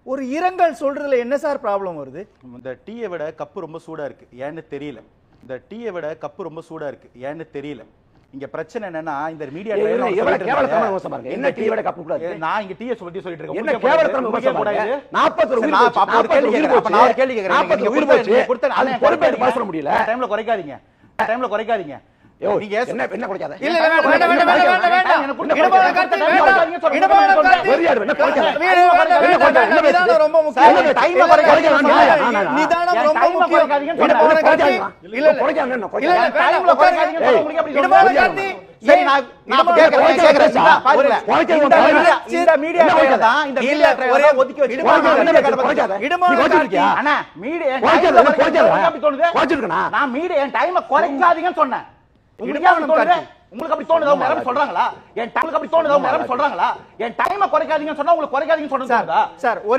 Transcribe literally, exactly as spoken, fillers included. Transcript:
ஒரு இரங்கல் சொல்றதுல என்ன சார் ப்ராப்ளம் வருது? இந்த டீயை விட கப்பு ரொம்ப சூடா இருக்கு, ஏன்னு தெரியல. இந்த டீயை விட கப்பு ரொம்ப சூடா இருக்கு, ஏன்னு தெரியல. இங்க பிரச்சனை என்னன்னா இந்த மீடியா எவ்வளவு கேவலத்தனமா மோசம் பாருங்க. என்ன டீ விட கப்பு கூடாது? நான் இங்க டீயை பத்தி சொல்லிட்டு இருக்கேன். என்ன கேவலத்தனமா மோசம் பாருங்க. நாற்பது உயிர் போச்சு. அப்ப ஒரு கேள்வி கேக்குறேன். அப்ப நான் ஒரு கேள்வி கேக்குறேன். நாற்பது உயிர் போச்சு. கொடுத்த அது பொறுப்பேற்று பேச முடியல. டைம்ல குறைக்காதீங்க. டைம்ல குறைக்காதீங்க. நீங்க என்ன என்ன குறைக்காத? இல்ல இல்ல வேண்டாம் வேண்டாம் வேண்டாம் வேண்டாம். இடமான கார்த்தி வேண்டாம். இடமான கார்த்தி வெறியாடு என்ன குறைக்காத? நிதானம் ரொம்ப முக்கியம். டைம்ல குறைக்காதீங்க. நிதானம் ரொம்ப முக்கியம். இடமான கார்த்தி இல்ல இல்ல குறைக்காத என்ன இல்ல குறைக்காத? இல்ல டைம்ல குறைக்காதீங்க. உங்களுக்கு எப்படி இடமான கார்த்தி சரி நான் நான் கேக்குறேன் கேக்குறேன் பாருங்க. இந்த மீடியா தான் இந்த மீடியா ஒரே ஒதுக்கி வச்சு இடமான கார்த்தி அண்ணா மீடியா குறைக்காத குறைக்காத. அப்படி தோணுது. குறைச்சிருக்கனா? நான் மீடியா டைமை குறைக்காதீங்கன்னு சொன்னேன். உங்களுக்கு அப்படி தோணுது? உங்களுக்கு அப்படி தோணுதா? உங்க யாரும் சொல்றாங்களா? என் டைமுக்கு அப்படி தோணுதா? உங்க யாரும் சொல்றாங்களா? என் டைமை குறைக்காதீங்கன்னு சொன்னா உங்களுக்கு குறைக்காதீங்கன்னு சொன்னதா? சார்